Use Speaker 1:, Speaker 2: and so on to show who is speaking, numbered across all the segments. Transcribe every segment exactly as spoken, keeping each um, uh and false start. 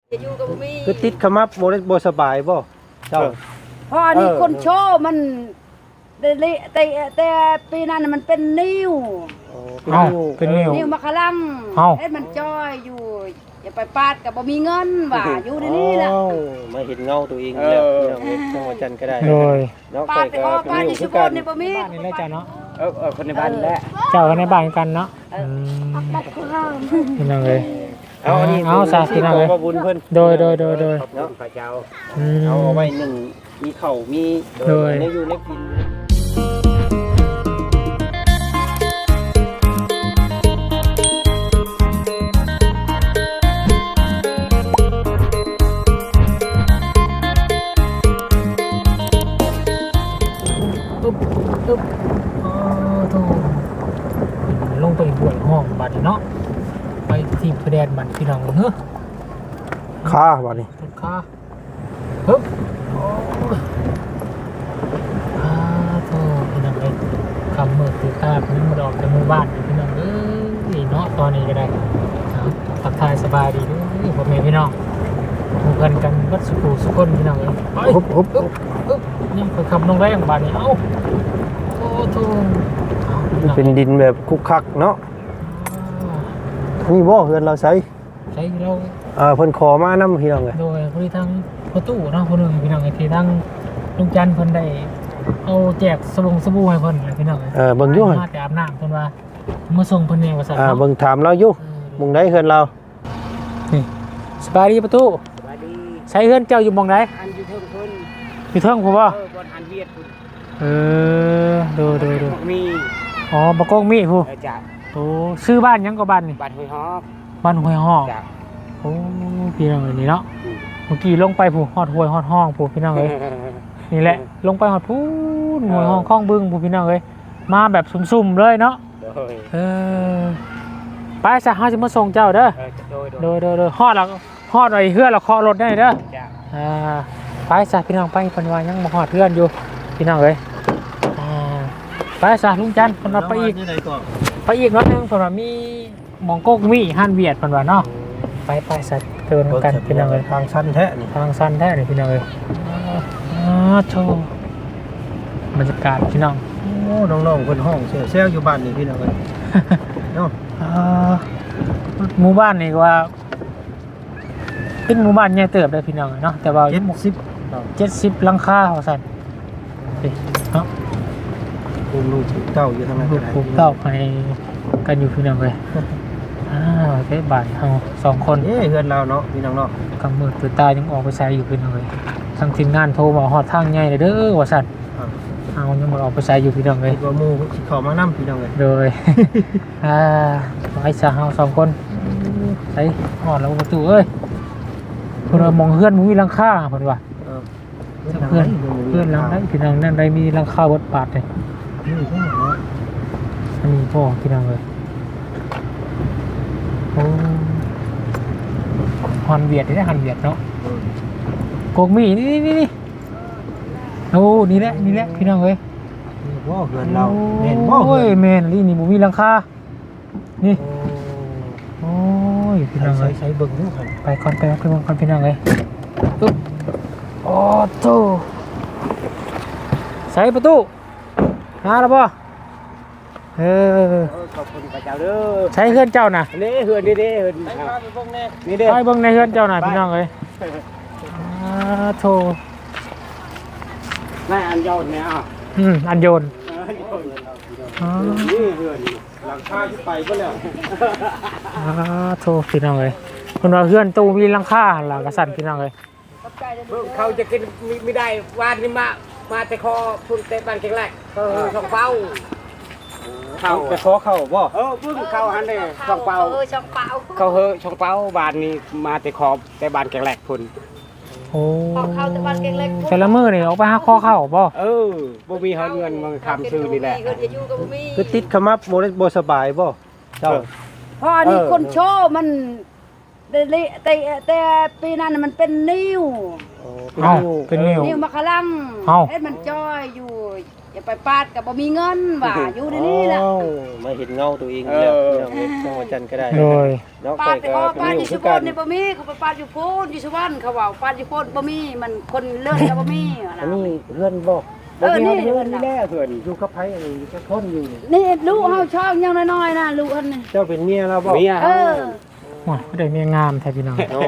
Speaker 1: คือติดขมับบ่ได้บ่สบายบ่เจ้า
Speaker 2: พอนี่คนโชว์มันแต่แต่แต่ปีนั้นมันเป็นนิ้ว
Speaker 1: เอ้าเป็นนิ้ว
Speaker 2: นิ้วมะขลัง
Speaker 1: เอ้า
Speaker 2: เฮ็ดมันจ้อยอยู่อย่าไปปาดกับบ่มีเงินว่าอยู่ในนี้ล่ะ
Speaker 1: มาเห็นเงาตัวเองแล้วพี่น้องเอ้ยจังหวัดจันทร์ก็ได้
Speaker 3: โดย
Speaker 1: เนาะ
Speaker 2: ปาดไปออกปาดที่ชุบนนี่บ่มี
Speaker 3: บ้านนี่แหละเจ้าเนาะ
Speaker 4: เออเออคนในบ้านแหละ
Speaker 3: เจ้ากันในบ้านกันเนาะอืมพี่น้องเลย
Speaker 1: เอาอันนี้
Speaker 3: เอาซะพี่น้องเอ้ย
Speaker 1: ขบุญเพิ่น
Speaker 3: โดยโดยโดยโดย
Speaker 4: เนาะพระเจ้า
Speaker 3: อืม
Speaker 1: เอาเอาไว้หนึ่งมีข้าวมี
Speaker 3: โดย
Speaker 1: ในอยู่ในกิน
Speaker 3: ตุ๊บตุ๊บอ๋อโธ่ลงไปบวยห้องบัดนี้เนาะไปที่พระแดนบัดพี่น้องเฮ้อ
Speaker 1: ค่าบ่นี่
Speaker 3: ทุกข้าฮึบโอ้ยอ่าโธ่พี่น้องเอ้ยคำมือถือตาพี่น้องดอกจากหมู่บ้านพี่น้องเอ้ยเนาะตอนนี้ก็ได้เอาทักทายสบายดีเด้วยพ่อแม่พี่น้องหมู่กันกันวัดสุขุสุขคนพี่น้องเอ้ยไป
Speaker 1: ฮุบฮุบ
Speaker 3: อึ๊บอึ๊บยังไปขับลงแรงบ้านนี้เอ้าโอ้โธ่เอาพี่น้อง
Speaker 1: เป็นดินแบบคุกคักเนาะนี่บ่เฮือนเราใช้
Speaker 3: ใช้เรา
Speaker 1: อ่าเพิ่นขอมานำพี่น้องเอ้ย
Speaker 3: โดยพอดีทางประตูเนาะคนหนึ่งพี่น้องไอ้ที่ทางลุงจันทร์เพิ่นได้เอาแจกสบู่สบู่ให้เพิ่นพี่น้อง
Speaker 1: เออเบิ่งอยู่หั่น
Speaker 3: มาแต่อาบน้ำเพิ่นว่ามาส่งเพิ่นเองว่าซั่น
Speaker 1: อ่า
Speaker 3: เนาะ
Speaker 1: เบิ่งถามเราอยู่หมุงใดเฮือนเรา
Speaker 3: นี่สบายดีประตู
Speaker 4: สวัสดี
Speaker 3: ใช้เฮือนเจ้าอยู่หม่องใด
Speaker 4: อันอยู่เทิงคน
Speaker 3: อยู่เทิงพุ่นบ่
Speaker 4: เออบนอันเวียดคุณ
Speaker 3: เออดูดูดู
Speaker 4: มี
Speaker 3: อ๋อบ่กงมีผู้
Speaker 4: เออจ้ะ
Speaker 3: โอ้ชื่อบ้านหยังก็บ้านนี่
Speaker 4: บ้านห้วยฮอก
Speaker 3: บ้านห้วยฮอก
Speaker 4: จ้ะ
Speaker 3: โอ้พี่น้องเอ้ยนี่เนาะเมื่อกี้ลงไปผู้ฮอดห้วยฮอดห้องผู้พี่น้องเอ้ย นี่แหละลงไปหอดพูนหวยห้องคล้องบึ้งผู้พี่น้องเลยมาแบบสุ่มๆเลยเนาะ
Speaker 4: โดย
Speaker 3: เออไปซะเฮาจะมาส่งเจ้าเด้อ
Speaker 4: เออโดยโด
Speaker 3: โด
Speaker 4: ย
Speaker 3: ยโดยโดยฮอดแล้วฮอดไอ้เฮือนแล้วเคาะรถได้เด้อ
Speaker 4: จ้ะ
Speaker 3: อ่าไปซะพี่น้องไปเพิ่นว่ายังบ่ฮอดเฮือนอยู่พี่น้องเอ้ยอ่าไปซะลุงจันทร์เพิ่นว่าไปอีก
Speaker 1: ที่ไหนก่อน
Speaker 3: ไปอีกเนาะนึงเพิ่นว่ามีหมองโกกมีห้านเวียดเพิ่นว่าเนาะไปไปซะเดินกันพี่น้องเอ้ย
Speaker 1: ทางชั้นแท้นี่
Speaker 3: ทางสั้นแท้เลยพี่น้องเอ้ยอ่าโชว์บรรยากาศพี่น้อง
Speaker 1: โอ้น้องๆเพิ่นห้องเซลเซลอยู่บ้านนี่พี่น้องเอ้ยเนาะ
Speaker 3: อ่าหมู่บ้านนี่ก็ว่าเป็นหมู่บ้านใหญ่เติบเลยพี่น้องเนาะแต่ว่า
Speaker 1: เจ็ดสิบ
Speaker 3: เจ็ดสิบหลังคาเขาสั่นนี่เนาะ
Speaker 1: ภูมิลูกเต้าอยู่ทางนั้น
Speaker 3: ลู
Speaker 1: ก็
Speaker 3: ก
Speaker 1: ได้
Speaker 3: ปลูกเต้าไปกันอยู่พี่น้องเลยอ่าเทศบาทเอาสองคน
Speaker 1: เอ้เฮือนเราเนาะพี่น้องเนาะ
Speaker 3: กำมือตัวตายังออกไปใช้อยู่พี่น้องเลยทางทีมงานโทรมาฮอดทางใหญ่เลยเด้อว่าสั่นเอายังมาออกไปใช้อยู่พี่น้องเลย
Speaker 1: คิดว่าหมู่สิเข้ามานํพี่น้องเอ้ย
Speaker 3: โดย อ่าไอ้สาวสองคนใส่หอดแล้วประตูเอ้ยเพื่อนว่ามองเพื่อนมึงมีหลังคาเพื่อนว่า
Speaker 1: เออ
Speaker 3: เพื่อนเพื่อนหลังได้พี่น้องนั่นได้มีหลังคาบดปาดเลย
Speaker 1: นี่ใช่เนาะ
Speaker 3: อันนี้พ่อพี่น้องเลยโอ้ฮอนเวียดได้ฮันเวียดเนาะโกกมีนี่นี่นี่โอ้นี่แหละนี่แหละพี่น้องเลย
Speaker 1: นี่บ่เฮือนเราแม่นบ่
Speaker 3: โอ้
Speaker 1: เฮื
Speaker 3: ย
Speaker 1: อน
Speaker 3: แม่นนี่นี่บุมีหลังคานี่โอ้ยพี่น้องเล
Speaker 1: ใส่
Speaker 3: ย
Speaker 1: ใส่เบิ่งดูครับ
Speaker 3: ไปก่อนไปก่อนไปก่อนก่อนพี่น้องเลยปึ๊บโอ้โตใส่ประตูมาแล้วป่ะเออ
Speaker 4: ขอบคุณพระเจ้าเด้อ
Speaker 3: ใช้เฮือนเจ้าน่ะ
Speaker 4: นี่เฮือนนี่เด้เฮือนนี่เด้
Speaker 3: ไปเบิ่งในเฮือนเจ้าน่ะพี่น้องเลยอ่าโต
Speaker 4: แม่อันยอดเนี่ยอ่ะ
Speaker 3: อืมอันโยน
Speaker 4: เออนี่เฮือน
Speaker 1: หลังคาที่ไปบ่แล้ว
Speaker 3: อ่าโตพี่น้องเลยคนว่าเฮือนตู้มีหลังคาหลังกระสันพี่น้องเลย
Speaker 4: เขาจะกินไม่ได้วานนี่มามาแต่คอพุ่นเตะบ้านเก่งแรกเขาช่องเป้า
Speaker 1: เข้าไปขอเข้าบ่
Speaker 4: เออพึ่งเข้าหันเลยช่องเป้า
Speaker 2: เออช่องเปล่า
Speaker 4: เขาเฮอช่องเป้าบ้านนี้มาแต่คอแต่บ้านเก่งแรกพุ่น
Speaker 3: โอ้
Speaker 2: เข้าแต่บ้านเก่งเล็ก
Speaker 3: แต่ละมือนี่ออกไปหาข้อเข้าบ่
Speaker 4: เออบ่มีเงินมาทำซื้อนี่แหละ
Speaker 2: เงินจะอยู่กับบ่มี
Speaker 1: คือติดขมับบ่ได้บ่สบายบ่เจ้า
Speaker 2: พอนี่คนโชว์มันแต่แต่แต่ปีนั้นมันเป็นนิ้ว
Speaker 1: เป็น
Speaker 3: เอ้า
Speaker 1: นิ้ว
Speaker 3: เป็นนิ้ว
Speaker 2: นิ้วมะขลัง
Speaker 3: เอ้า
Speaker 2: เฮ็ดมันจ้อยอยู่อย่าจะไปปาดก็บ่มีเงินว่าอยู่ในนี้ล่ะ
Speaker 1: อ้าวมาเห็นเงาตัวเองแล้วพี่น้องเอ้ยจังหวัดจันทร์ก็ได้
Speaker 3: โดย
Speaker 1: เนาะ
Speaker 2: ปา
Speaker 1: ไป
Speaker 2: ด
Speaker 1: ก็
Speaker 2: อ๋อ
Speaker 1: เป็น
Speaker 2: ปาด
Speaker 1: อ
Speaker 2: อยู่ ยู่
Speaker 1: คื
Speaker 2: สุ
Speaker 1: อ
Speaker 2: พ
Speaker 1: กั
Speaker 2: ร
Speaker 1: น
Speaker 2: รณนี่บ่มีเขาไปปาดอยู่โพนอยู่สุวรรณเขาว่าปาดอยู่โพนบ่มีมันคนเลื่อนก็บ่มี
Speaker 1: อันนี้เพื่อนบอก
Speaker 2: เออนี่
Speaker 4: เพื่อนนี่แน่เพื่อนอยู่กับไผอันนี้จะคนอยู่
Speaker 2: นี่ลูกเฮาช่องยังน้อยๆนะลูกอันนี้
Speaker 1: เจ้าเป็นเมียเราบอก
Speaker 4: เมีย
Speaker 2: เออ
Speaker 3: โอ้ยไม่ได้เมียงามแท้พี่น้อง
Speaker 1: โอ้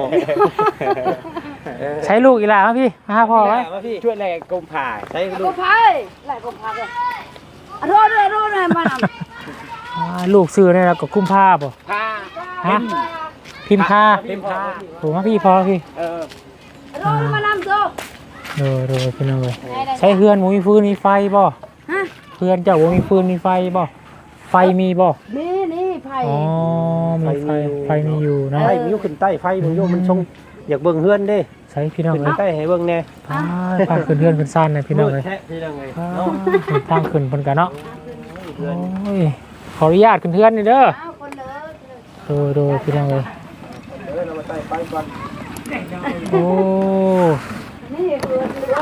Speaker 3: ใช้ลูกอีหลามาพี่มาหาพ่อไว้
Speaker 1: มาพี่
Speaker 4: ช่วยแลกมผ่า
Speaker 1: ใช้ลู
Speaker 2: ก็
Speaker 1: ก
Speaker 2: พายหลายก็พายเลยอ่ะโทษด้วยโทษด้วยมาน
Speaker 3: อ่าลูกซื้อเนี่ยเราก็คุ้มผ้าบ่
Speaker 4: ผ่า
Speaker 3: ฮะพิมพ์ผ้า
Speaker 4: พิมพ์ผ่า
Speaker 3: โอ้มาพี่พอพี่
Speaker 4: เออ
Speaker 2: ำโทษมานำโซ่
Speaker 3: โดยโดยพี่น้องเลยใช้เฮือนบ่มีฟืนมีไฟบ่
Speaker 2: ฮะ
Speaker 3: เฮือนเจ้าบ่มีฟืนมีไฟบ่ไฟมีบ่
Speaker 2: นี่นี่ไผ่
Speaker 3: อ๋อมีไฟไฟมีอยู่เนาะ
Speaker 1: ไฟมันอยู่ขึ้นใต้ไฟมันอยู่มันชงอยากเบิ่งเฮือนเด้
Speaker 3: ใช้พี่น้อง
Speaker 1: ขึ้น
Speaker 3: เลย
Speaker 1: ใต้ให้เบิ่งแน่
Speaker 3: พาพาขึ้นเฮือนขึ้นซ่านเลยพี่น้องเลย
Speaker 1: แท้พี่น้องเลย
Speaker 3: พา
Speaker 1: เนาะ
Speaker 3: ทางขึ้นเพิ่นกันเนาะ
Speaker 1: เฮือน
Speaker 3: โอ้ยขออนุญาตขึ้นเฮือนนี่เด้อ
Speaker 2: เอาคนเลย
Speaker 3: โดยโดยพี่น้องเลย
Speaker 1: เออเรามาใต้ไฟก่อน
Speaker 3: โอ้
Speaker 2: นี่เพื่อนเลย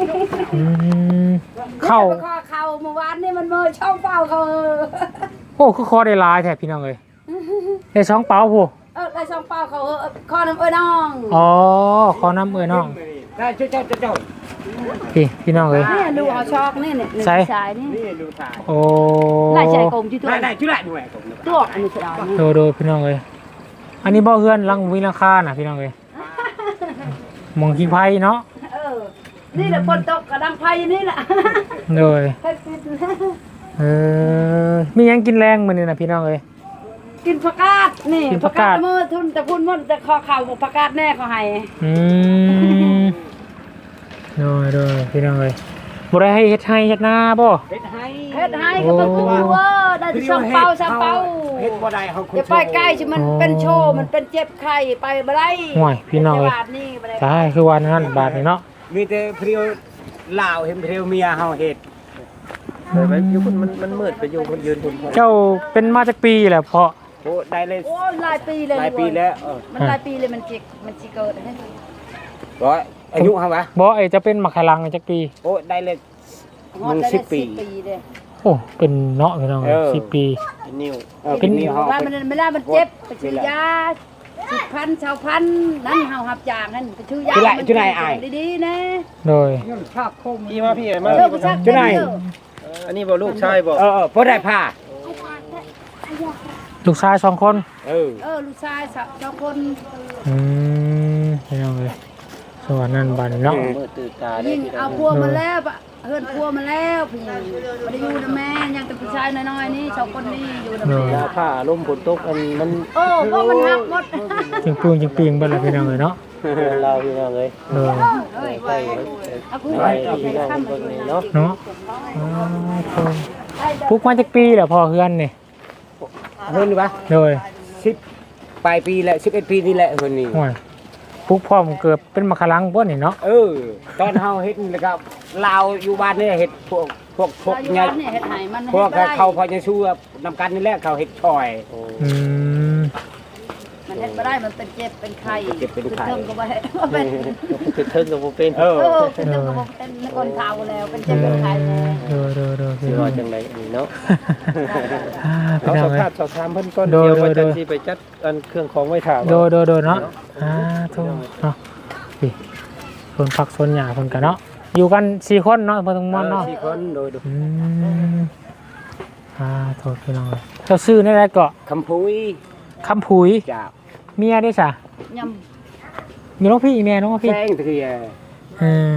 Speaker 3: อืมเข้า
Speaker 2: นี่ไปข้อเข่าเมื่อวานนี่มันเมื่อช่องเป้าเขา
Speaker 3: โอ้คือคอได้หลายแท้พี่น้องเลยได้สองเป๋าผู้
Speaker 2: เออได้ช่องเป้าเขาเออข้อน้ำเอ้ยน้อง
Speaker 3: อ๋อขอน้ำเอ้ยน้อง
Speaker 4: ได้ช่วยเจ้าเจ้า
Speaker 3: พี่พี่น้องเลย
Speaker 2: นี่ดูเขาชอกนี่เนี่ย
Speaker 3: ใส่
Speaker 2: ชายนี่
Speaker 4: นี่ดูถ่าย
Speaker 3: โอ้
Speaker 2: ไล่ใจกลมที่ตัว
Speaker 4: ได้ได้ช่วยได้ด้วยผม
Speaker 2: ตัวอันนี้เสียดายนี่
Speaker 3: โดยโดยพี่น้องเลยอันนี้บ่เฮือนหลังวิลังคาน่ะพี่น้องเลยหมองกินไผ่เนาะ
Speaker 2: เออนี่แหละคนตกกระดังไฟนี่แหละ
Speaker 3: โดยเออมีหยังกินแรงมื้อนี้น่ะพี่น้องเลย
Speaker 2: กินผักกาดนี่
Speaker 3: กินผักกาด
Speaker 2: มือทุนแต่พูดมันแต่คอเข่าบอกผักกาดแน่เขาให้
Speaker 3: อืมโดยโดยพี่น้องเลยบ่ได้ให้เฮ็ดให้เฮ็ดนาบ่
Speaker 4: เฮ็ดให้
Speaker 2: เฮ็ดให้ก็ต้องคุ้มเวอร์ได้ช่องเป้าช่องเป้า
Speaker 4: เฮ็ดบ่ได้เขาคน
Speaker 2: อย่าไปใกล้ชิมันเป็นโชว์มันเป็นเจ็บไข้ไปบ่ได้
Speaker 3: ห่วยพี่น้องเลย
Speaker 2: บาทนี่บ่ได้
Speaker 3: ใช่คือวันนั้นบาทนี่เนาะ
Speaker 4: มีแต่เพรียวลาวเห็นเพรียวเมียเฮาเฮ็ด
Speaker 1: เดี๋ยวไปอยู่คนมันมันมืดไปอยู่คนยืนคนพอ
Speaker 3: เจ้าเป็นมาจากปีแหละเพาะ
Speaker 4: โอ้ได้เลย
Speaker 2: โอ้ยหลายปีเลย
Speaker 4: หลายปีแล้วเออ
Speaker 2: มันหลายปีเลยมันจิกมันจิเกิดให้
Speaker 4: ร้อยอายุเฮาวะ
Speaker 3: บ่ไอจะเป็นมักขลังจากปี
Speaker 4: โอ้ได้เลย
Speaker 2: ฮอดได้
Speaker 4: สิบปี
Speaker 2: สิบปีเลย
Speaker 3: โอ้เป็นเนาะพี่น้อง
Speaker 4: เออ
Speaker 3: สิบปี
Speaker 1: เป็นนิ้ว
Speaker 4: เออ
Speaker 3: เป็น
Speaker 4: มีเฮา
Speaker 2: ว่ามันไม่ได้มันเจ็บไปซื้อยาสิบพันชาวพันนั่นเฮาหับจางนั่นไปซื้อยาดีๆนะ
Speaker 3: โดย
Speaker 1: พี่มาพี่มา
Speaker 2: เออ
Speaker 1: พี่
Speaker 2: ผู้ชาย
Speaker 4: จุดไหน
Speaker 1: อันนี้บ่ลูกชายบ่
Speaker 4: เออเออพอได้ผ้า
Speaker 3: ลูกชายสองคน
Speaker 4: เออ
Speaker 2: เออลูกชายสองคน
Speaker 3: อืมพี่น้องเลยสวรรค์นั่นบัดนเนาะ
Speaker 1: มืดตื่นตาได้
Speaker 2: ยิ่ง
Speaker 1: พี่น้
Speaker 2: เอา
Speaker 1: อง
Speaker 2: พัวมาแล้วเฮือนพัวมาแล้วพี่ไม่ได้อยู่นะแม่ยังแต่ผู้ชายน้อยๆนี่สองคนนี่อยู่นะแม่
Speaker 1: ยาผ้าลมฝนตกอันมัน
Speaker 2: โอ้พวกมันหักหมด
Speaker 3: จิงปืงจิงปีงเบิ่นละพี่น้องเลยเนาะ
Speaker 1: เราพี่น้องเลย
Speaker 3: โดย
Speaker 2: เฮ้ย
Speaker 1: ไป
Speaker 2: เอาคู่
Speaker 1: ไป
Speaker 2: ไป
Speaker 1: พี่น้อง
Speaker 2: ข้าม
Speaker 1: เบิ่ง
Speaker 2: ไป
Speaker 1: นี่
Speaker 2: เนาะ
Speaker 1: เนาะ
Speaker 3: เนาะอ๋อปลูกมาจากปีแหละพอเฮือนนี่
Speaker 4: เฮิรนปะ
Speaker 3: โดย
Speaker 4: สิบปลายปีแหละสิบเอ็ดปีนี่แหละเฮิรนนี่
Speaker 3: ห่วยปลูกพร้อมเกิดเป็นมักขลังบ่นี่เนาะ
Speaker 4: เออตอนเฮาเฮ็ดนี่แล้วก็ลาวอยู่บ้านนี่เฮ็ดพวกพวกพวก
Speaker 2: เราอยู่
Speaker 4: เนี่ย
Speaker 2: บ้านเนี่ยเฮ็ดให้มัน
Speaker 4: พวก
Speaker 2: เฮ็ดบ่ได้
Speaker 4: เขาพอจะสู้นำกันนี่แหละเขาเฮ็ดช่อย
Speaker 3: อืม
Speaker 2: มันเฮ็ดบ่ได้มันเป็นเจ็บเป็นไข้
Speaker 4: เจ็บเป็นไข้
Speaker 2: เทิงก็บ่ให้เป็น
Speaker 1: คือเทิงกับบ่เป็น
Speaker 4: เออ
Speaker 2: เออเป็นเทิงก็บ่เป็นคนเฒ่าแล้วเป็นเจ็บเป็นไข้แล้ว
Speaker 3: โดยโดยโดย
Speaker 1: สิ
Speaker 3: พี่น้อ
Speaker 1: ว่าง จังไดอันนี้เนาะ
Speaker 3: อ่าพี่
Speaker 1: เอา
Speaker 3: น้อ
Speaker 1: ส
Speaker 3: งเลย
Speaker 1: ภาพสอบถามเพิ่นก่อน
Speaker 3: โดย
Speaker 1: เดี๋ยวว่า
Speaker 3: โด
Speaker 1: จะ
Speaker 3: ย
Speaker 1: สิไปจัดอันเครื่องของไว้ถาม
Speaker 3: โดยโดยโดยเนาะอ่าถูกเนาะพี่คนพักส่วนหยาคนกันเนาะอยู่กันสี่คนเนาะเพิ่นทั้งหมดเนาะ
Speaker 1: สี่คนโดย
Speaker 3: อืมอ่าโทษพี่น้องเลยเจ้าซื้อในไรเกาะ
Speaker 4: คำพุย
Speaker 3: คำผุย
Speaker 4: จ้า
Speaker 3: เมียได้จ้ะ
Speaker 2: ย
Speaker 3: มีน้องพี่อีเมียน้องพี่
Speaker 4: แซงเถื่อ
Speaker 3: เออ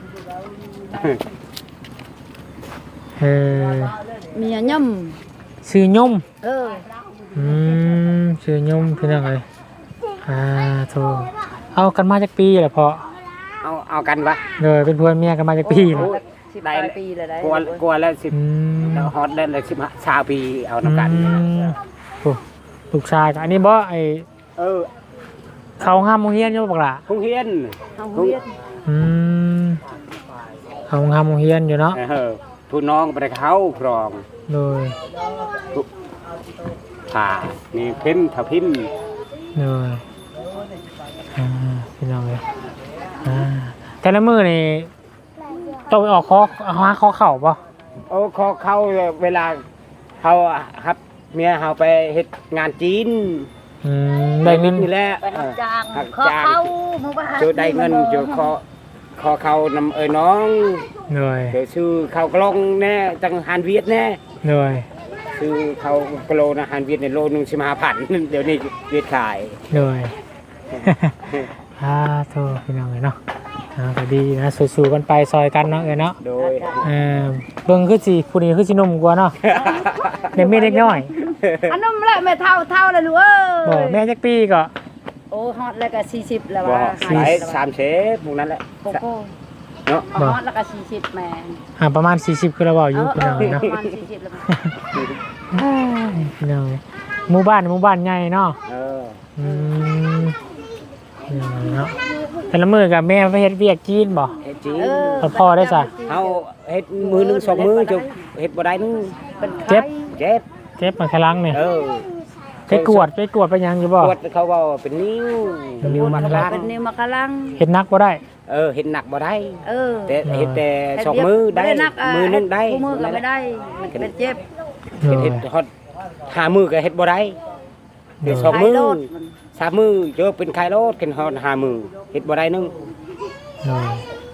Speaker 3: เออ
Speaker 2: ำเมียย่
Speaker 3: ซื้อยม
Speaker 2: ำเออ
Speaker 3: อืมซื้อยมพี่น้องเลยอ่าโทษเอากันมาจากปีแหละพอ
Speaker 4: เอาเอากันวะ
Speaker 3: เลยเป็นเพื่อนเมียกันมาจากปีเลย
Speaker 2: สิบปลายปีเลยได้
Speaker 4: กลัวกลัวแล้วสิบ
Speaker 3: อืม
Speaker 4: ฮอตได้เลยสิบชาปีเอานำกัน
Speaker 3: อืมโอ้ลูกชายกับอันนี้บ่ไอ
Speaker 4: เออ
Speaker 3: เขาห้ามโมงเฮียนอยู่บอกล่ะ
Speaker 4: คงเฮียน
Speaker 2: เอาเฮียน
Speaker 3: อืมเขาห้ามโมงเฮียนอยู่เนาะ
Speaker 4: เออผู้น้องไปเขาครอง
Speaker 3: โดย
Speaker 4: ผ่ามีพิมพ์ถ้าพิมพ์
Speaker 3: โดยอ่าพี่น้องเลยอ่าแต่ละมือนี่ต้องไปออกคอหาคอเข่าป่ะ
Speaker 4: โอ้เขาเขาเวลาเขาครับเมียเขาไปเฮ็ดงานจีน
Speaker 3: อืมได้เงิน
Speaker 4: นี่แหละ
Speaker 2: ไปรับจ้าง
Speaker 4: หัก
Speaker 2: ขอ
Speaker 4: จ้าง
Speaker 2: เข้ามาว่า
Speaker 4: เจอได้เงินเจอขอขอเขานำเอ้ยน้อง
Speaker 3: เหนื่อย
Speaker 4: เจอซื้อเขากลองแน่จังหารเวียดแน่
Speaker 3: เหนื่อย
Speaker 4: ซื้อเขากโลนะหารเวียดในโลนึงสิบห้าพันเดี๋ยวนี้เวียดขาย
Speaker 3: เหนื่อย อ่าโทษพี่น้องเลยเนาะอ่าก็ดีนะสู้ๆกันไปซอยกันเนาะเอ้ยเนาะ
Speaker 4: โดย
Speaker 3: เออเบิ่งคือสิผู้นี้คือสิหนุ่มกว่าเนาะเด็กแม่เด็กน้อย
Speaker 2: อันนั้นแหละแม่เท่าเท่าเลยลูกเอ้
Speaker 3: บ่
Speaker 2: ย
Speaker 3: แม่จักปีก็
Speaker 2: โอ้ฮอตแล้วก็สี่สิบแล้ว
Speaker 4: บ่
Speaker 2: ว่า
Speaker 4: ขายสามเชฟพวกนั้นแหละ
Speaker 2: โกโก้
Speaker 4: เนาะ
Speaker 2: ฮอตแล้วก็สี่สิบแม่
Speaker 3: อ่าประมาณสี่สิบคือเราเว้าอยู่พี่น้องเนาะ
Speaker 2: ประมาณสี่สิบแล้ว
Speaker 3: พี่น้องหมู่บ้านหมู่บ้านใหญ่เนาะ
Speaker 4: เออ
Speaker 3: อืมเนาะแต่ละมื้อกับแม่ไปเฮ็ดเวียกจีนบ่
Speaker 4: เฮ็ดจีน
Speaker 3: เอาพ่อได้จ้ะ
Speaker 4: เฮาเฮ็ดมือหนึงสองมือจบเฮ็ดบ่ได้นึง
Speaker 2: เป็นไข้
Speaker 3: เจ็บ
Speaker 4: เจ็บ
Speaker 3: เจ็บมาครั้งนี่
Speaker 4: เออ
Speaker 3: ไปกวดไปกวดไปหยังอยู่บ่
Speaker 4: ปวดเขาว่าเป็นนิ้วนิ้วมัดล่าง
Speaker 2: เป็นนิ้วมะกะลัง
Speaker 3: เฮ็ดนักบ่ได้
Speaker 4: เออเฮ็ดหนักบ่ได้
Speaker 2: เออ
Speaker 4: แต่เฮ็ดแต่สองมือได้
Speaker 2: นักะ
Speaker 4: มือหนึงได้
Speaker 2: มือก็ไม่ได้ มันเป็นเจ็บ
Speaker 3: เหนื่
Speaker 4: เฮ็ด
Speaker 3: อย
Speaker 4: เฮ็ดฮอดห้ามือก็เฮ็ดบ่ได้เฮ็ดสอง
Speaker 2: ไข้
Speaker 4: มือ
Speaker 2: โลดมัน
Speaker 4: สามมือเจอเป็นไข้โลดกันฮอดห้ามือเฮ็ดบ่ได้นึง
Speaker 3: เหนื่อย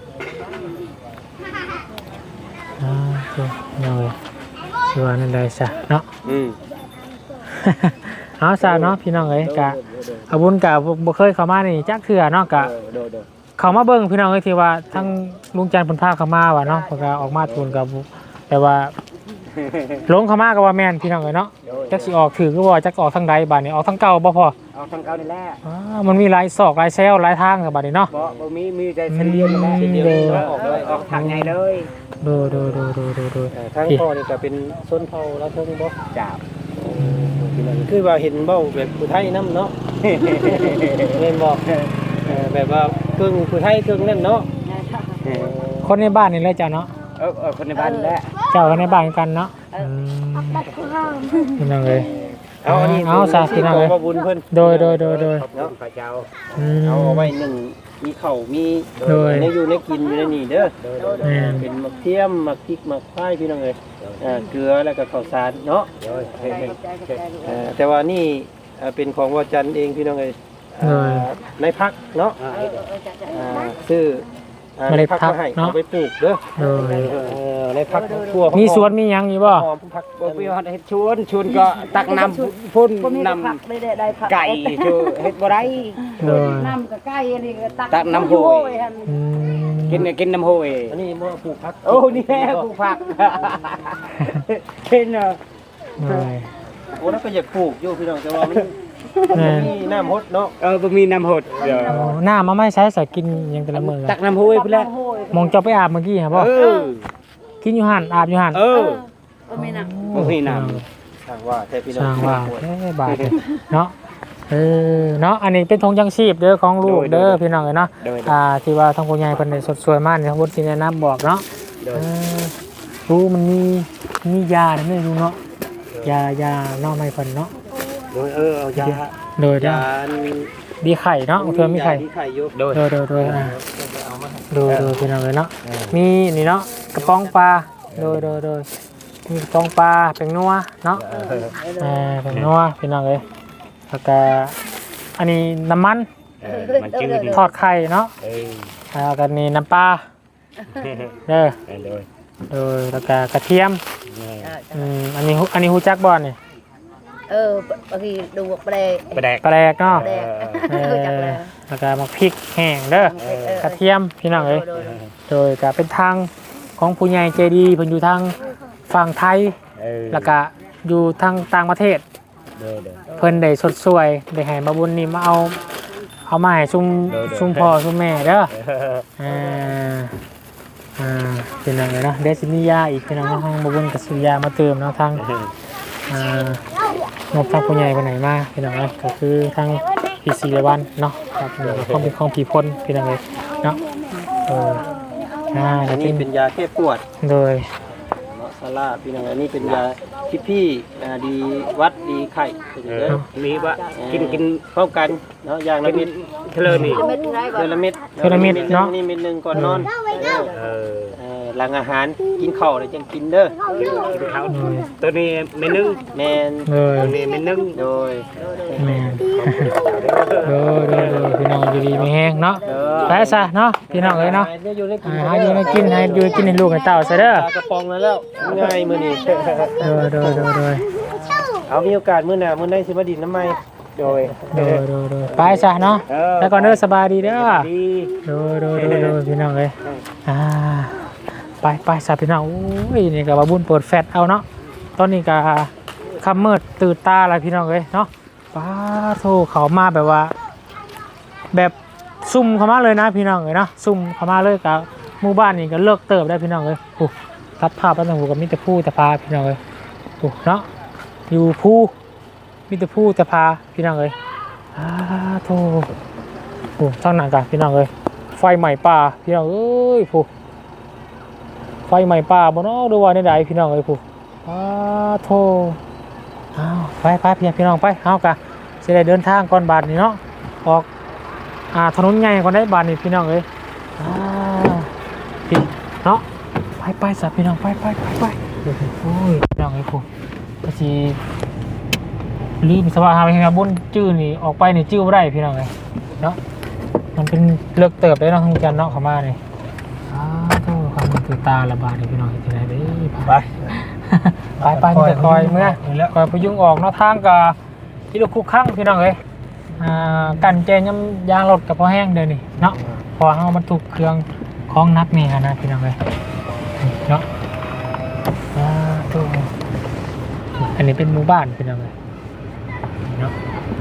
Speaker 3: อ่าโอเคเหนื่อยสิว่านั่นได้ซะเนาะ
Speaker 4: อืม
Speaker 3: เอาซะเนาะพี่น้องเอ้ยกะอาบุญกะบ่บ่เคยเข้ามานี่จักเทื่อเนาะกะ
Speaker 4: เออโดด
Speaker 3: เขามาเบิ่งพี่น้องเอ้ยที่ว่าทั้งลุงจันทร์เพิ่นพาเขามาว่าเนาะเพิ่นก็ออกมาทูลกับแต่ว่าลงเขามาก็ว่าแม่นพี่น้องเอ้ยเนาะจักสิออกถือก็บ่จักออกทางใดบัดนี้ออกทางเก่าบ่พอ
Speaker 4: เอาทางเก่านี่แหละ
Speaker 3: อ่ามันมีหลายซอกหลายแซวหลายทางกับบัดนี้เนาะ
Speaker 4: บ่บ่มีมีแต่เส้นเดียวนี่แหละ
Speaker 3: อืม
Speaker 4: เส้นเดียวนี่แหละออกเลยออกทางใหญ่เลย
Speaker 3: โดโดโดโดโดโด
Speaker 1: ทางพ่อนี่ก็เป็นส้นเผาแล้วเทิงบ่
Speaker 4: จับ
Speaker 1: คือว่าเห็นเบ้าแบบผู้ไทยนำเนาะ แม่นบ่เออแบบว่าครึ่งผู้ไทยครึ่งนั่นเนาะ
Speaker 4: เออ
Speaker 3: คนในบ้านนี่แหละจ้ะเนาะ
Speaker 4: เออเออคนในบ้านนี่แหละ
Speaker 3: เจ้ากันในบ้านกันเนาะอืมพี่น้องเอ้ย
Speaker 1: เอาอันนี้
Speaker 3: เอาซะพี่น้องเอ้ย
Speaker 1: ขบุญเพิ่น
Speaker 3: โดยโดยโดยโดย
Speaker 4: เนาะพระเจ้า
Speaker 3: อืม
Speaker 1: เอาเอาไว้หนึ่งมีข้าวมี
Speaker 3: โดย
Speaker 1: ในอยู่ในกินอยู่ในนี่เด้อ
Speaker 3: แม่น
Speaker 1: เป็นมะเทียมมะพริกมะพร้ายพี่น้องเอ้ยอ่าเกลือแล้วก็ข้าวสารเนาะ
Speaker 4: เดี๋ยว
Speaker 2: ใจใจใจ
Speaker 1: เอ่อแต่ว่านี่เอ่อเป็นของวจันทร์เองพี่น้องเอ้ย
Speaker 3: โดย
Speaker 1: อ่าในพักเนาะ
Speaker 4: อ่า
Speaker 1: อ่าซื้ออ่า
Speaker 3: เมล็ดพัก
Speaker 1: มาให้
Speaker 3: เนาะ
Speaker 1: เอาไปปลูกเด้อ
Speaker 3: โดย
Speaker 1: เออในพักทั่ว
Speaker 3: มีสวนมีหยังอยู่บ่
Speaker 1: หอมพัก
Speaker 4: บ่มีฮอดเฮ็ดชวนชวนก็ตักน้ำพุ่น
Speaker 2: บ่มี
Speaker 4: น้
Speaker 2: ผักได้ได้ได้ผัก
Speaker 4: ำไก่ชูเฮ็ดบ่ได้
Speaker 3: โดย
Speaker 2: น้ำกับไก่อันนี้ก็ตัก
Speaker 4: ตักน้ำโหย
Speaker 2: หั่น
Speaker 3: อืม
Speaker 4: กินกินน้ำโหย
Speaker 1: อันนี้บ่ปลูกพัก
Speaker 4: โอ้นี่แหละปลูกผักเห็นเนาะ
Speaker 3: โดย
Speaker 1: โอ้แล้วก็อยากปลูกอยู่พี่น้องแต่ว่ามัน
Speaker 3: แม่น
Speaker 1: มีน้ำฮดเนาะ
Speaker 4: เออบ่มีน้ำหดเดี๋ยว
Speaker 3: โอ้หน้ามาไม่ใช้ใส่กินหยังแต่ละมื้อ
Speaker 4: ตักน้ำโหยพุ่นแหละ
Speaker 2: โหย
Speaker 3: มองเจ้าไปอาบเมื่อกี้ฮะบ่
Speaker 4: เออ
Speaker 3: กินอยู่หั่นอาบอยู่หั่น
Speaker 4: เอ
Speaker 2: เอ
Speaker 4: อ
Speaker 2: อบ่มีน้ำ
Speaker 4: บ่มีน้
Speaker 1: ทางว่าแต่พี่น้
Speaker 3: ส
Speaker 1: อง
Speaker 3: ร้างว่าแค่บาทเลยเนาะเออเนาะอันนี้เป็นธงยังชีพเด้อของลูกเด้อพี่น้องเอ้ยเนาะ
Speaker 4: โดย
Speaker 3: อ่าที่ว่าทางผู้ใหญ่เพิ่นได้สดสวยมากนี่ทางบุญสิแนะนำบอกเนาะ
Speaker 4: โด
Speaker 3: เอย อรู้มันมีมียาเนี่ยไม่รู้เนาะยายาเนาะไม่เพิ่นเนาะ
Speaker 1: โดยเออเอายา
Speaker 3: โดยเด้อย
Speaker 1: า
Speaker 3: ดีไข่เนาะเพิ่นมีไข่
Speaker 1: ยาที่ไข่อยู่
Speaker 4: โดย
Speaker 3: โดยโดยโดยอ่าโดยโดยพี่น้องเอ้ยเนาะมีนี่เนาะกระป๋องปลาโดยโดยโดยมีกระป๋องปลาเป็นนัวเนาะ เออเป็นนัวพี่น้องเอ้ยแล้วก็อันนี้น้ำมัน
Speaker 4: เออมันจืดดิ
Speaker 3: ทอดไข่เนาะ
Speaker 4: เออ
Speaker 3: แล้วก็นี่น้ำปลาเด้อ
Speaker 4: เออโดย
Speaker 3: โดยแล้วก็กระเทียม
Speaker 4: เออ
Speaker 3: อืมอันนี้ฮูอันนี้ฮูจักบ่นี่
Speaker 2: เออบางทีดูบแปลก
Speaker 4: ไปแดก
Speaker 3: ปลาแดกเนาะ
Speaker 2: แปลก
Speaker 3: เออ
Speaker 2: รู้จักแล้ว
Speaker 3: แล้วก็มักพริกแห้งเด้อ
Speaker 2: เออเออก
Speaker 3: ระเทียมพี่น้องเอ้ย
Speaker 2: โดย
Speaker 3: โดยก็เป็นทางของผู้ใหญ่ใจดีเพิ่นอยู่ทางฝั่งไทย
Speaker 4: เออ
Speaker 3: แล้วก็อยู่ทางต่างประเทศ
Speaker 4: โดยโดย
Speaker 3: เพิ่นได้สดสวยได้ให้มาบุญนี่มาเอาเอามาให้ซุม
Speaker 4: เด้อเด้อ
Speaker 3: ซุมพ่อซุมแม่เด้อ
Speaker 4: เออ
Speaker 3: อ่าอ่าเป็นยังไงเนาะเดซิมียาอีกเป็นยังไงห้องมาบุญกับสุยามาเติมเนาะทางอ่างบทางผู้ใหญ่ไปไหนมาเป็นยังไงก็คือทางพีซีเลวันเนาะครับของเป็นของผีพ่นเป็นยังไงเนาะเอออ่า
Speaker 1: อั
Speaker 3: แล้
Speaker 1: น
Speaker 3: ว
Speaker 1: นี้
Speaker 3: เป็
Speaker 1: เป็น นยาแก้ปวด
Speaker 3: โดย
Speaker 1: เนาะซาร่าพี่น้องอันนี้เป็นยาที่พี่อ่าดีวัดดีไข่เป็น
Speaker 4: เอ
Speaker 1: เด้
Speaker 4: อ
Speaker 1: อ
Speaker 4: มีว่ากินกิน
Speaker 1: พร้อมกันเนาะอย่างละ
Speaker 4: กิ
Speaker 1: เม็
Speaker 4: น
Speaker 1: ด
Speaker 4: เทเลอร์นี่
Speaker 2: เม็ดไรก่อ
Speaker 1: เดือน
Speaker 2: น
Speaker 1: ละเม็ด
Speaker 3: เดือนละเม็ดเนาะ
Speaker 1: นี่เม็ดหนึงก่อนนอนเออ
Speaker 4: เออ
Speaker 1: เออหลังอาหารกินข้าวแล้วจังกินเด้อ
Speaker 4: เขาตัวนี้ไม่นึ่ง
Speaker 1: แม่น
Speaker 3: เลย
Speaker 4: ตัวนี้ไม่นึ่ง
Speaker 1: โดย
Speaker 3: แม่โดยโดยโดยพี่น้องอยู่ดีไม่แห้งเนาะ
Speaker 1: เด้อ
Speaker 3: ไปซะเนาะพี่น้องเอ้ยเนาะ
Speaker 1: ดี๋ยวอยู่ได้กิ
Speaker 3: อ่าน หาอยู่ให้กินให้อยู่ให้กินให้ลูกให้เต้าซะเด้อ
Speaker 1: ปลากระป๋องแล้วแล้วง่ายมื้อนี้
Speaker 3: โดยโดยโดยโดย
Speaker 1: เอามีโอกาสมื้อหน้ามื้อใดสิมาดินน้ำใหม่โดย
Speaker 3: โดยโดยโดยไปซะเนาะ
Speaker 1: เออ
Speaker 3: แล้วก่อนเด้อสบายดีเด้อ
Speaker 1: ดี
Speaker 3: โดยโดยโดยโดยพี่น้องเอ้ยอ่าไปไปซะพี่น้องโอ้ยนี่ก็ว่าบุญเปิดแฟลชเอาเนาะตอนนี้ก็ค่ำมืดตื่นตาแล้วพี่น้องเอ้ยเนาะป้าโธ่เขามาแบบว่า แบบซุ่มเข้ามาเลยนะพี่น้องเอ้ยเนาะซุ่มเข้ามาเลยกับหมู่บ้านนี่ก็เลิกเติบได้พี่น้องเอ้ยโอ้ตัดภาพแล้วนะผมก็มีแต่ผู้แต่พาพี่น้องเอ้ยโอ้เนาะอยู่ผู้มีแต่ผู้แต่พาพี่น้องเอ้ยอ้าโธ่โอ้ช่างหนักกันพี่น้องเอ้ยไฟใหม่ป่าพี่น้องเอ้ยผู้ไฟใหม่ป่าบ่เนาะดูว่าในใดพี่น้องเอ้ยผู้อ้าโธ่อ้าวไปไปพี่พี่น้องไปเฮากะสิได้เดินทางก่อนบาดนี้เนาะออกอ่าถนนใหญ่ก่อนได้บาดนี้พี่น้องเอ้ยอ่าพี่เนาะไปไปสับพี่น้องไปไปไปไปโอ้ยพี่น้องเอ้ยผู้ก็สิลืมสว่าหาไปครับบนจื้อนี่ออกไปนี่จื้อบ่ได้พี่น้องเอ้ยเนาะมันเป็นเลิกเติบได้เนาะทางจันเนาะเข้ามานี่อ้าวโธ่ความมันตื่นตาละบาดนี้พี่น้องเฮ็ดจังได๋เด้ไป ไปไปไปคอยเมื่อคอยพยุงออกเนาะทางกับที่ลูกคุกข้างพี่น้องเอ้ยอ่ากันเจนยำยางรถกับพอแห้งเดินนี่เนาะพอเอามันถูกเครื่องคล้องนักนี่ฮะนะพี่น้องเอ้ยเนาะอ่าตัวอันนี้เป็นหมู่บ้านพี่น้องเอ้ยเนาะ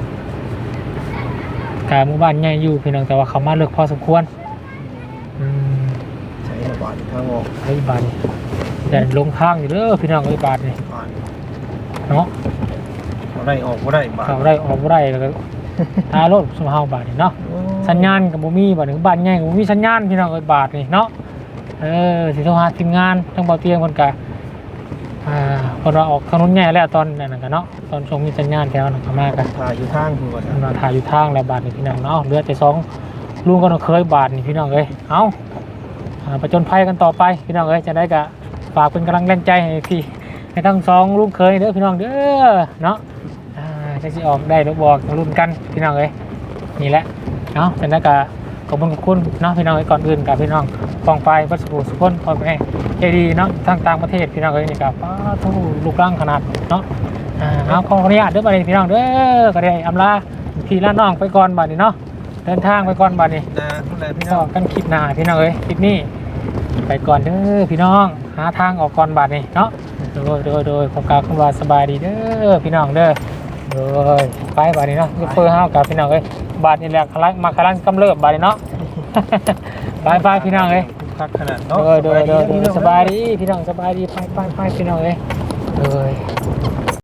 Speaker 3: การหมู่บ้านใหญ่อยู่พี่น้องแต่ว่าเขามาเลือกพอสมควรอืม
Speaker 1: ใช้ระบาดทางออก
Speaker 3: ไอ้บาทนี่แต่ลงข้างอยู่เด้อพี่น้องไอ้บาทนี่เนาะ
Speaker 1: เขาได้ออกบ่ได้บาด
Speaker 3: เขาได้ออกบ่ได้แล้วก็ ทารถสมเฮาบาทนี่เนาะสัญญาณกับบ่มีบาทนี่บ้านใหญ่ก็บ่มีสัญญาณพี่น้องไอ้บาทนี่เนาะเออสิโทรหาทีมงานทั้งเบาเตียงเพิ่นก็อ่าเพิ่นว่าออกถนนใหญ่แล้วตอนนั้นก็เนาะตอนช่วงมีสัญญาณแถวนั้นก็มาก็
Speaker 1: ถ่ายอยู่ทางคือว่า
Speaker 3: เพิ่นว่าถ่ายอยู่ทางแล้วบาทนี่พี่น้องเนาะเหลือแต่สองลุงก็ต้องเคยบาทนี่พี่น้องเอ้ยเอ้าอ่าประจนภัยกันต่อไปพี่น้องเอ้ยจะได้ก็ฝากเป็นกำลังแรงใจให้พี่ให้ทั้งสองลุงเคยเด้อพี่น้องเด้อเนาะอ่าจะสิออกได้หรือบอกรุ่นกันพี่น้องเอ้ยนี่แหละเนาะฉะนั้นก็ขอบคุณขอบคุณเนาะพี่น้องเอ้ยก่อนอื่นกับพี่น้องฟองไฟวัสดุสุพนพอไปใจดีเนาะทางต่างประเทศพี่น้องเอ้ยนี่กับป้าทูลูกร่างขนาดเนาะอ่าเอาขออนุญาตเด้อบัดนี้พี่น้องเด้อก็ได้อำลาพี่ละน้องไปก่อนบัดนี้เนาะเดินทางไปก่อนบัดนี้
Speaker 1: นะทุกแลพี่
Speaker 3: ก็
Speaker 1: น้อง
Speaker 3: กันคลิปหน้าพี่น้องเอ้ยคลิปนี้ไปก่อนเด้อพี่น้องหาทางออกก่อนบัดนี้เนาะโดยโดยโดยขอกล่าวคำว่าสบายดีเด้อพี่น้องเด้อโดยไปบัดนี้เนาะยูเฟอร์เฮากับพี่น้องเอ้ยบาดนี่แหละคลังมาคลังกำเริบบาดนี้เนาะ ไปไปพี่น้องเอ้ย
Speaker 1: คักขนาด
Speaker 3: โด
Speaker 1: เนาะ
Speaker 3: ยโดยโดยโดยสบายดีพี่น้องสบายดีไปไปไปพี่น้องเอ้ยโดย